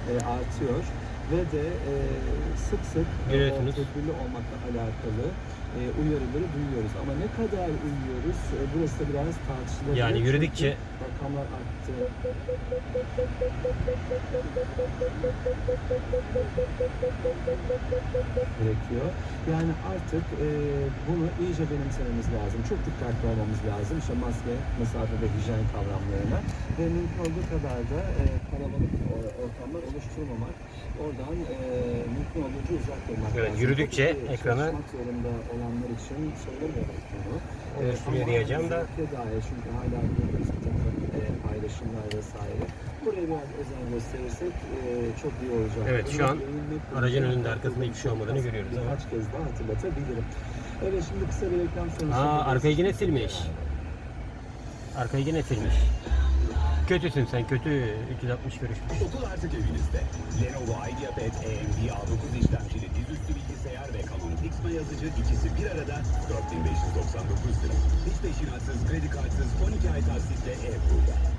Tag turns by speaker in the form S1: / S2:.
S1: artıyor ve de sık sık tedbirli olmakla alakalı uyarıları duyuyoruz. Ama ne kadar uyuyoruz? Burası da biraz tartışılabilir.
S2: Yani yürüdükçe
S1: rakamlar arttı. Gerekiyor. Yani artık bunu iyice benimsememiz lazım. Çok dikkatli olmamız lazım. İşte maske, mesafe ve hijyen kavramlarına ve mümkün olduğu kadar da kalabalık ortamlar oluşturmamak. Oradan mümkün olduğunca uzak durmak
S2: evet,
S1: lazım.
S2: yürüdükçe ekranı
S1: çalışmak zorunda olanlar için söylemiyorum bunu.
S2: şuraya diyeceğim da
S1: Dair çünkü hala görüyoruz bir takım paylaşımlar vesaire. Buraya biraz özen gösterirsek çok iyi olacak.
S2: evet, şu an aracın önünde arkasında hiçbir şey olmadığını görüyoruz ama.
S1: Birkaç kez daha hatırlatabilirim. Evet, şimdi kısa bir reklam sonrası.
S2: Arkayı yine silmiş. Arkayı yine silmiş. Kötüsün sen, kötü. 360 görüşmüş.
S3: Okul artık evinizde. Lenovo IdeaPad AMD A9 işlemcili dizüstü bilgisayar ve kalın Pixma yazıcı ikisi bir arada 4.599 lira. Hiç peşinatsız, kredi kartsız 12 ay taksitle e-Pul'da.